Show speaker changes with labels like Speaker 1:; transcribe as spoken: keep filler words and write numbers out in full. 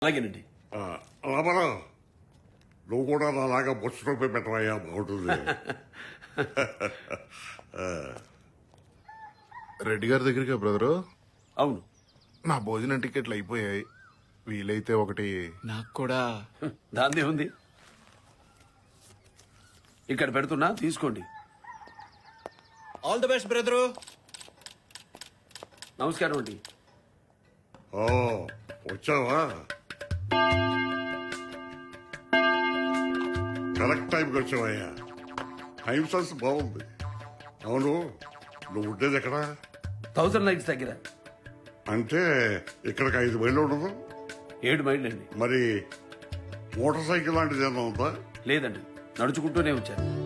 Speaker 1: అలాగేనండి.
Speaker 2: రామారావు నువ్వు కూడా నాలాగా బొచ్చు రూపాయి పెట్టవయ్యా, బాగుంటుంది.
Speaker 3: రెడ్డి గారి దగ్గరికి బ్రదరు,
Speaker 1: అవును,
Speaker 3: నా భోజనం టికెట్లు అయిపోయాయి. వీలైతే ఒకటి
Speaker 4: నాకు కూడా.
Speaker 1: దాందే ఉంది, ఇక్కడ పెడుతున్నా తీసుకోండి.
Speaker 4: All the best brother.
Speaker 1: నమస్కారం అండి.
Speaker 2: ఓ వచ్చావా? కరెక్ట్ టైంకి వచ్చావయ్యా. టైం సెన్స్ బాగుంది. అవును, నువ్వు ఉండేది ఎక్కడ?
Speaker 1: థౌసండ్ లైక్స్ దగ్గర.
Speaker 2: అంటే ఇక్కడికి ఐదు మైళ్ళు ఉండదు.
Speaker 1: ఏడు మైళ్ళు అండి.
Speaker 2: మరి మోటార్ సైకిల్ లాంటిది ఏమన్నా ఉందా?
Speaker 1: లేదండి, నడుచుకుంటూనే వచ్చాను.